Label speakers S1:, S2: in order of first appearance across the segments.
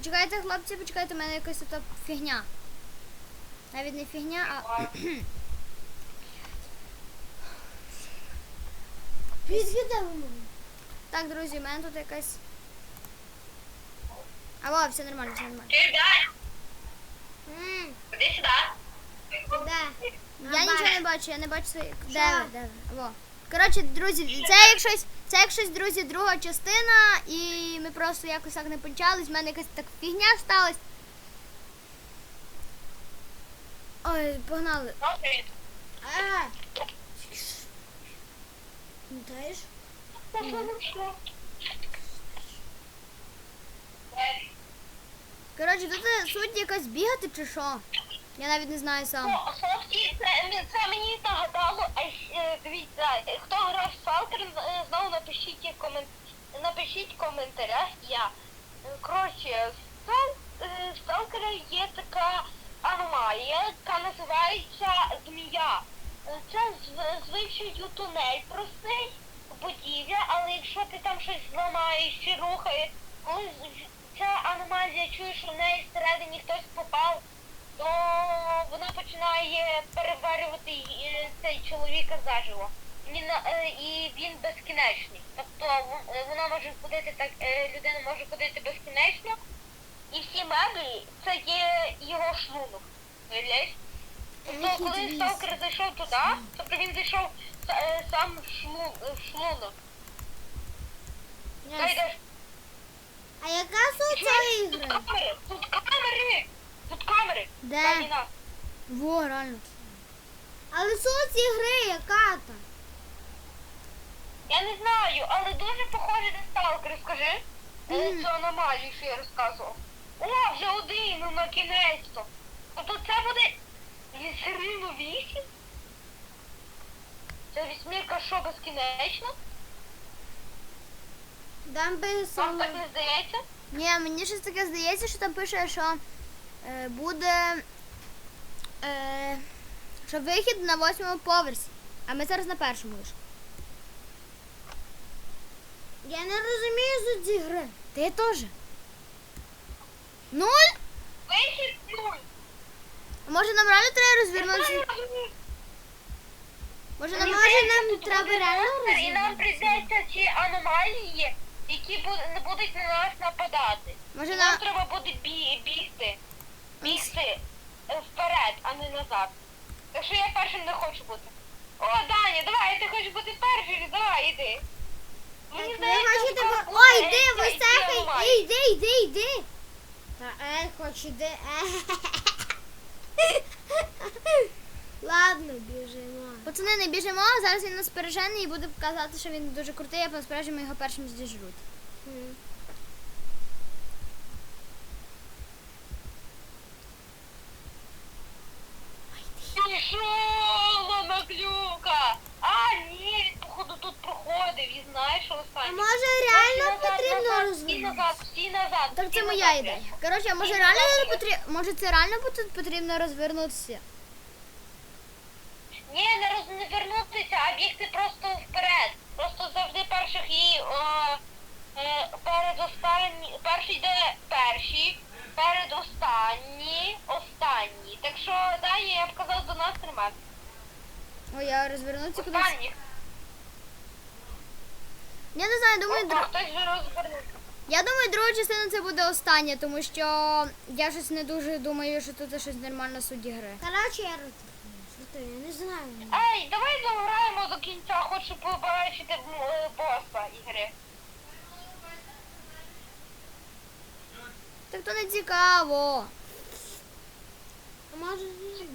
S1: Почекайте, хлопці, почекайте, у мене якась тут фігня. Навіть не фігня, а... Так, друзі, у мене тут якась... Алло, все нормально, все нормально.
S2: Ходи сюди.
S3: Де?
S1: Я нічого не бачу, я не бачу свої... Де ви? Де ви? Алло. Коротше, друзі, це як щось, друзі, друга частина, і ми просто якось так не почались, в мене якась так фігня сталась. Ой, погнали.
S3: Пам'ятаєш?
S1: Коротше, тут суть якась бігати чи що? Я навіть не знаю сам.
S2: Хлопці, це мені нагадало, дивіться, хто грав в Сталкер, знову напишіть в коментарях я. Коротше, в Сталкера є така аномалія, яка називається змія. Це звичайно тунель простий, будівля, але якщо ти там щось зламаєш чи рухаєш, коли ця аномалія чує, що в неї всередині хтось попав, то вона починає переварювати цей чоловіка заживо. І він безкінечний. Тобто вона може ходити так, людина може ходити безкінечно, і всі меблі це є його шлунок. Уявляєш? Тобто коли сталкер зайшов туди, тобто він зайшов сам в шлунок.
S3: А яка суть цієї ігри?
S2: Тут камери.
S1: Де? Во, реально.
S3: Але суть ігри яка там?
S2: Я не знаю, але дуже похоже на сталкер, скажи. Цю аномалію, що я розказував. О, вже один, ну на кінець-то. Тобто це буде серійно 8? Це вісьмірка що безкінечно?
S3: Там би
S2: Вам
S3: саме...
S2: так не здається?
S1: Ні, мені щось таке здається, що там пише, що буде що вихід на 8-му поверсі. А ми зараз на 1-му лише.
S3: Я не розумію суть цієї гри.
S1: Ти теж. 0?
S2: Вихід 0.
S1: А може нам реально треба розвернутися? Може нам
S3: Нам треба реально
S2: І нам прийдеться ці аномалії, які не будуть на нас нападати.
S1: Може
S2: Нам
S1: нам...
S2: треба буде бігти вперед, а не назад. Так що я першим не хочу бути. О, Даня, давай, ти хочеш бути першим, давай, іди. Мені здається, що
S3: Ой,
S2: буде
S3: йди,
S2: ці
S3: висехай!
S2: аномалії.
S3: Йди! Та хоч іди. Ладно, біжимо.
S1: Пацани, не біжимо, зараз він нас пережене і буде казати, що він дуже крутий, а насправді ми його першим здіжруть.
S2: Пішов, наглюка! А, ні, він, походу, тут проходив і знає, що
S3: А
S2: останнє.
S3: може реально
S2: Назад,
S3: потрібно
S2: назад,
S3: розвернутися?
S2: всі назад.
S1: Так це
S2: всі
S1: моя
S2: назад,
S1: ідея.
S2: Леся.
S1: Коротше, а може
S2: Всі
S1: реально
S2: назад,
S1: не потрібно, може це реально потрібно розвернутися?
S2: Ні, не вернутися, а бігти просто вперед. Просто завжди перших і передостанні, перший йде перший, передостанні, останній. Так що, Даня, я б казав, до нас тримати.
S1: Ой, я розвернуться кудись.
S2: Останніх.
S1: Я не знаю, думаю,
S2: Опа, хтось вже розвернувся.
S1: я думаю, друга частина це буде остання, тому що я щось не дуже думаю, що тут щось нормально суть гри.
S3: Короче, я розвернусь. Я не знаю.
S2: Ей, давай заграємо до кінця, хочу побачити боса ігри.
S1: Так то не цікаво.
S3: А може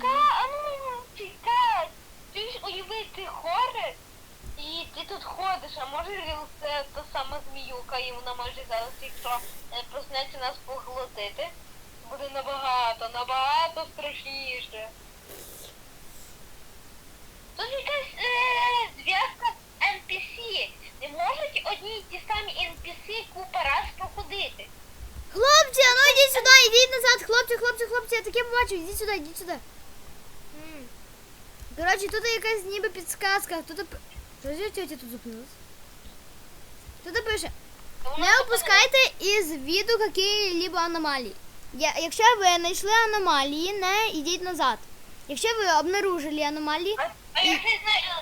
S2: Чекай, ти ж уяви, ти хоррор, і ти тут ходиш, а може це та сама зміюка, і вона може зараз, якщо проснеться нас поглотити, буде набагато страшніше. Тут якась зв'язка з NPC. Не можуть одні й ті самі NPC купа раз проходити.
S1: Хлопці, а ну йдіть сюди, йдіть назад, хлопці, я таке побачив, йдіть сюди. Коротше, тут якась ніби підсказка, тут... Що за тетя тут зупинилась? Тут пише, Не опускайте із виду які-либо аномалії. Якщо ви знайшли аномалії, не йдіть назад. Якщо ви обнаружили аномалії,
S2: А я не знаю.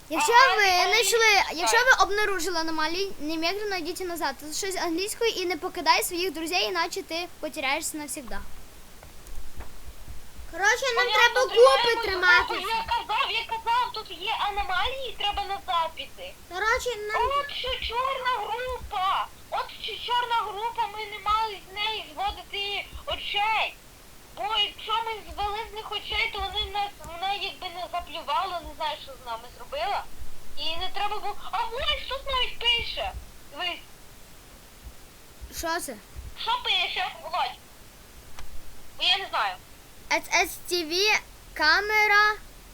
S1: якщо ви обнаружили аномалії, немедленно йдіть назад. Тут щось англійською і не покидай своїх друзей, іначе ти потеряєшся навсегда.
S3: Коротше, нам
S2: Понятно,
S3: треба
S2: тримаємось
S3: купи
S2: групу.
S3: триматися.
S2: Я казав, тут є аномалії, треба назад піти.
S3: Коротше, нам...
S2: От що чорна група. От що чорна група, ми не мали з неї зводити очей. Бо якщо ми звели з них очей, то вона якби не заплювала, не знаю, що з нами зробила. І не треба було. А ось тут навіть пише. Дивись,
S1: Що це?
S2: що пише, Володь? Бо я не знаю.
S1: SSTV, камера,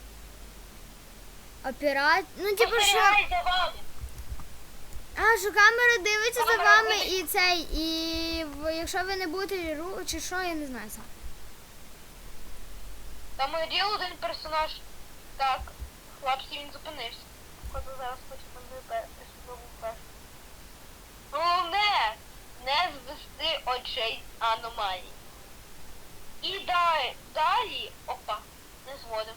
S1: ну типу що...
S2: Спостерігай за вами.
S1: А, що камера дивиться за
S2: Камера
S1: вами
S2: дивиться.
S1: і цей, якщо ви не будете чи що, я не знаю сам.
S2: Там є один персонаж. Так, хлопці, він зупинився. Коли зараз хочу там випити. Головне, не звести очей з аномалій. І далі, опа, не зводим.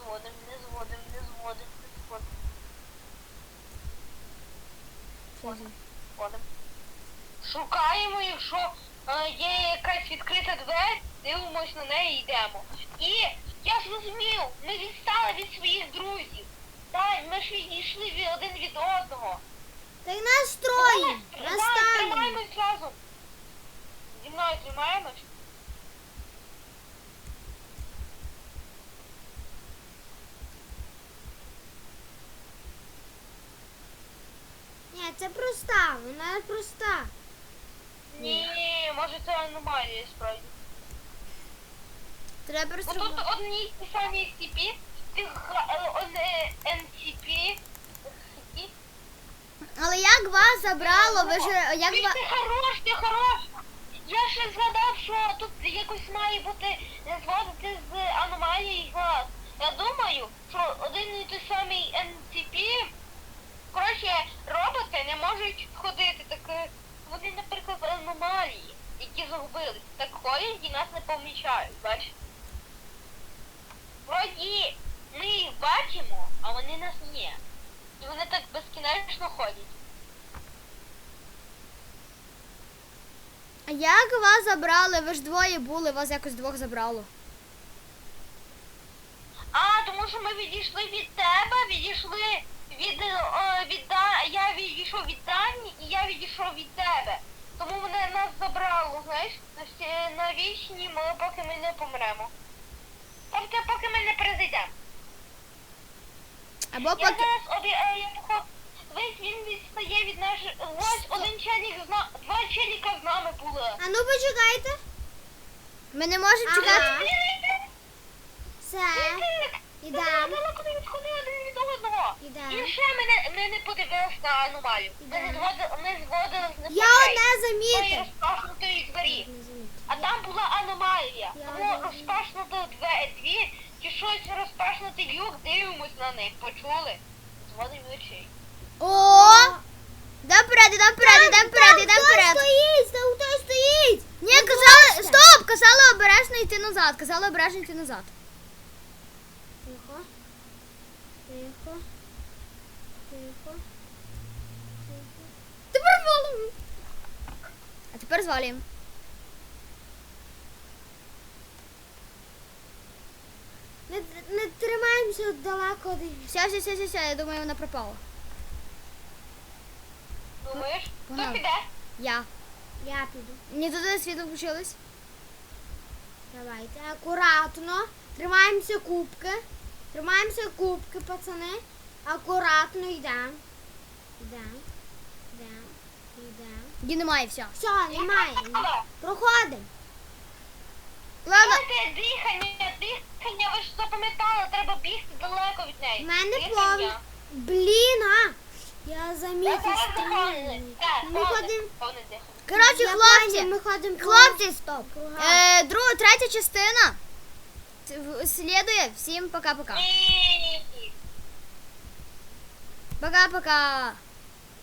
S2: Входимо. Шукаємо, якщо є якась відкрита двері, дивимось на неї і йдемо. І я зрозумів, ми відстали від своїх друзів. Так, ми ж відійшли один від одного.
S3: Та й нас троє.
S2: Так,
S3: Нас там.
S2: тримаємось разом. Зі мною тримаємось.
S3: Ні, це проста, вона проста.
S2: Ні, може це аномалія справді.
S1: Треба
S2: Бо
S1: просто...
S2: тут одні й ті самі SCP, NCP.
S1: Але як вас забрало, ви ж... Як
S2: Ти
S1: вас...
S2: ти хорош. Я ще згадав, що тут якось має бути зводити з аномалії глаз. Я думаю, що один і той самий NCP, коротше, роботи не можуть ходити, так вони, наприклад, аномалії, які загубились, так ходять і нас не помічають, бачиш? Вроді ми їх бачимо, а вони нас ні. І вони так безкінечно ходять.
S1: А як вас забрали? Ви ж двоє були, вас якось двох забрало.
S2: А, тому що ми відійшли від тебе, відійшли я відійшов від Дані і я відійшов від тебе. Тому вони нас забрало, знаєш, на вічні, поки ми не помремо. Тобто, поки ми не перезайдемо.
S1: Або
S2: Я
S1: поки...
S2: зараз весь він відстає від наших... Ось один челік два челіка з нами були.
S3: А ну почекайте.
S1: Ми не можемо
S3: Ага.
S1: чекати...
S3: Все. Ідемо.
S2: Далеко не відходили один від одного.
S3: Ідемо.
S2: І ще ми не подивилися на аномалію. Ми зводили з них
S3: Я
S2: очей.
S3: одне
S2: Тої
S3: замітив.
S2: розпашнутої двері. А там була аномалія.
S3: Я
S2: Тому
S3: розумію.
S2: розпашнуто дві, чи щось розпашнутий люк, дивимось на них. Почули? Зводимо очей.
S1: О! Йдемо вперед, йдемо вперед, йдемо вперед, йдемо
S3: Хто
S1: вперед.
S3: стоїть? Там хто стоїть?
S1: Ні, казали... Стоп! Казали обережно йти назад. Казали обережно йти назад.
S3: Тихо. Тихо. Тихо.
S1: Тепер валимо. А тепер звалюємо.
S3: Не тримаємося далеко.
S1: Все, я думаю, вона пропала.
S2: Думаєш? Хто
S1: Погнали.
S2: піде?
S1: Я.
S3: Я піду.
S1: Ні, туди світло включилось.
S3: Давайте. Акуратно. Тримаємося кубки. Тримаємося кубки, пацани. Акуратно йдемо. Йдемо.
S1: Її немає, все.
S3: Все, немає. Проходимо.
S1: Ладно.
S2: Знаєте, дихання, ви ж запам'ятали, треба бігти далеко від неї.
S3: У мене
S2: Дихання.
S3: повні. Блін, а! Я замітив
S2: Так,
S3: стрімні. Ми ходимо.
S2: повне дихання.
S1: Коротше,
S3: Я
S1: хлопці.
S3: поняв, ми ходимо.
S1: Хлопці, стоп.
S3: Кругами.
S1: Друга, третя частина. Слідує. Всім пока-пока.
S2: Ні.
S1: Пока-пока.